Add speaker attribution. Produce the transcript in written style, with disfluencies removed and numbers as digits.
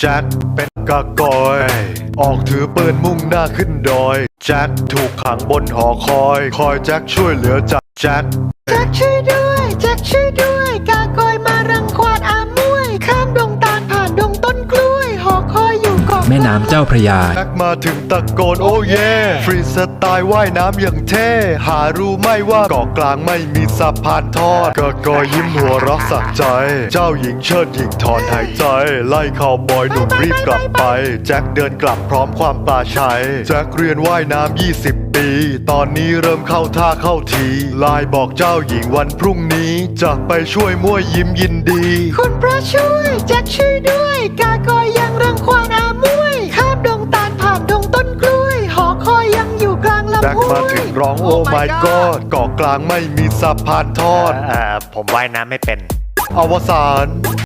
Speaker 1: แจ็คเป็นกากอยออกถือปืนมุ่งหน้าขึ้นดอยแจ็คถูกขังบนหอคอยแจ็คช่วยเหลือจากแจ็ค
Speaker 2: ช่วยด้วยแจ็คช่วยด้วยกากอยมารังควานอามวยข้ามดงตาลผ่านดงต้นกล้วยหอคอยอยู่เกาะ
Speaker 3: แม่น้ำเจ้าพระยา
Speaker 1: แจ็คมาถึงตะโกนโอ้เย่ฟรีสไตล์ว่ายน้ำอย่างเท่หารู้ไหมว่าเกาะกลางไม่มีสะพานทอดกากอยยิ้มหัวเรักสักใจเจ้าหญิงเชิดหญิงถอนหายใจไล่ข่าวบอยหนุ่มรีบกลับไปแจ็คเดินกลับพร้อมความปลาชัยแจ็คเรียนว่ายน้ำ20 ปีตอนนี้เริ่มเข้าท่าเข้าทีไลน์บอกเจ้าหญิงวันพรุ่งนี้จะไปช่วยมั่วยิ้มยินดี
Speaker 2: คุณพระช่วยแจ็คช่วยด้วยกากอยยังรังควานอามวยข้ามดงตาลผ่านดงต้นกล้วยหอคอยยังอยู่กลางลำ
Speaker 1: แจ็ค
Speaker 2: ห้วย
Speaker 1: มาถึงร้องโอ้ my god เกาะกลางไม่มีสะพานทอด
Speaker 4: ผมว่ายน้ำไม่เป็น
Speaker 1: อวสาน